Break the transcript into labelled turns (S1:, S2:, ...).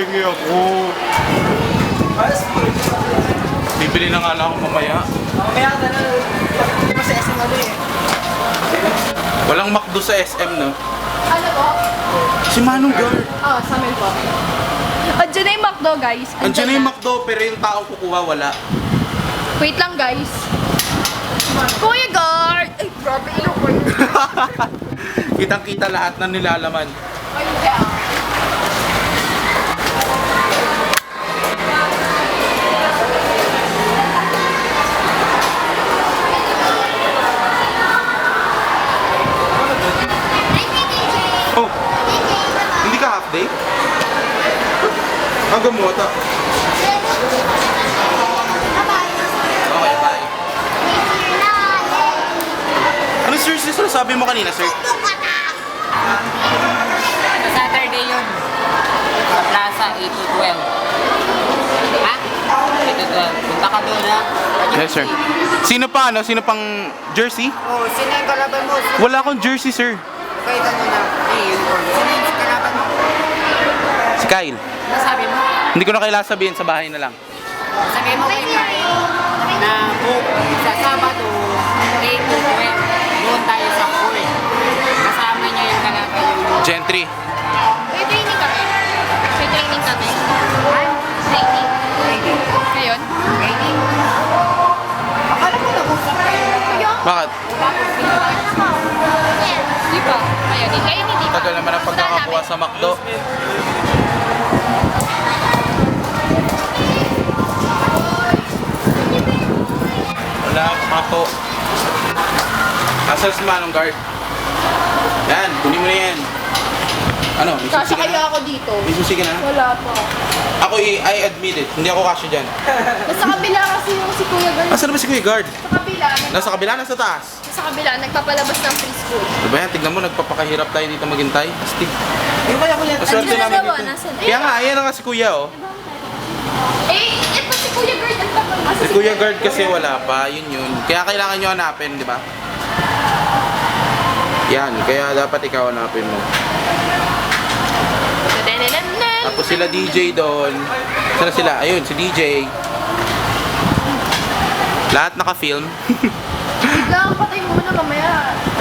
S1: Hingi ako. Bibili na nga lang ako mamaya.
S2: Kaya ka na, hindi mo sa SM ano eh.
S1: Walang McDo sa SM, no?
S3: Ano po?
S1: Si Manong Girl.
S3: Oh, sa amin po. Andiyan na yung McDo, guys.
S1: Andiyan na yung McDo, pero yung taong kukuha, wala.
S3: Wait lang, guys. Kuya Guard! Ay, grabe ilo ko yun.
S1: Kitang-kita lahat ng nilalaman.
S3: Ay, kaya.
S1: Oh, hindi ka half day? Ang gamota. Okay, bye. Ano sir, sabi mo kanina, sir?
S2: Sa Saturday yun. Sa Plaza, 8 to 12. Ha? 8 to 12. Punta ka doon ha?
S1: Yes, sir. Sino pa, ano? Sino pang jersey?
S2: Oh, sino yung kalaban mo?
S1: Wala akong jersey, sir.
S2: Okay, ito muna. Sino yung kalaban mo?
S1: Si Kyle.
S2: Ano sabi mo?
S1: Hindi ko na kailangan sabihin, sa bahay na lang.
S2: Sabi mo kay Kyle na book sa Sabado, 8 to 12. Doon tayo sa pool. Kasama niya yung kalaban yung...
S1: Gentry.
S3: May training kami. May training kami. Training.
S2: Training.
S3: Ngayon?
S2: Training. Akala ko nag-usap kayo.
S1: Bakit?
S3: Di ba? Ngayon, hindi pa.
S1: Tagal naman ang pagkakakuha sa McDo. Wala akong McDo. Asal si Manong Guard. Yan, kunin mo na yan. Ano? May
S3: Kasya
S1: susi ka
S3: kaya
S1: na?
S3: ako dito.
S1: May susi ka na?
S3: Wala pa.
S1: Ako, I admit it. Hindi ako kasya dyan.
S3: Nasa kabila kasi yung si Kuya Guard.
S1: Asan ba si Kuya Guard?
S3: Sa kabila.
S1: Nasa kabila, nasa taas.
S3: Sa kabila, nagpapalabas ng preschool.
S1: Diba yan? Tignan mo, nagpapakahirap tayo dito maghintay. Astig.
S2: Yung kaya ko yan.
S1: Maswerte
S3: Andyan na
S1: namin
S3: daw,
S1: dito.
S3: nasan?
S1: Kaya nga, ayan na nga si Kuya, oh.
S3: Ito si Kuya Guard. Ang tapos.
S1: Si Kuya Guard kasi wala pa, yun. Kaya kailangan nyo hanapin, di ba? Yan, kaya dapat ikaw hanapin mo. Tapos sila DJ doon. Saan sila? Ayun, si DJ. Lahat naka-film.
S3: Lang, patay muna mamaya.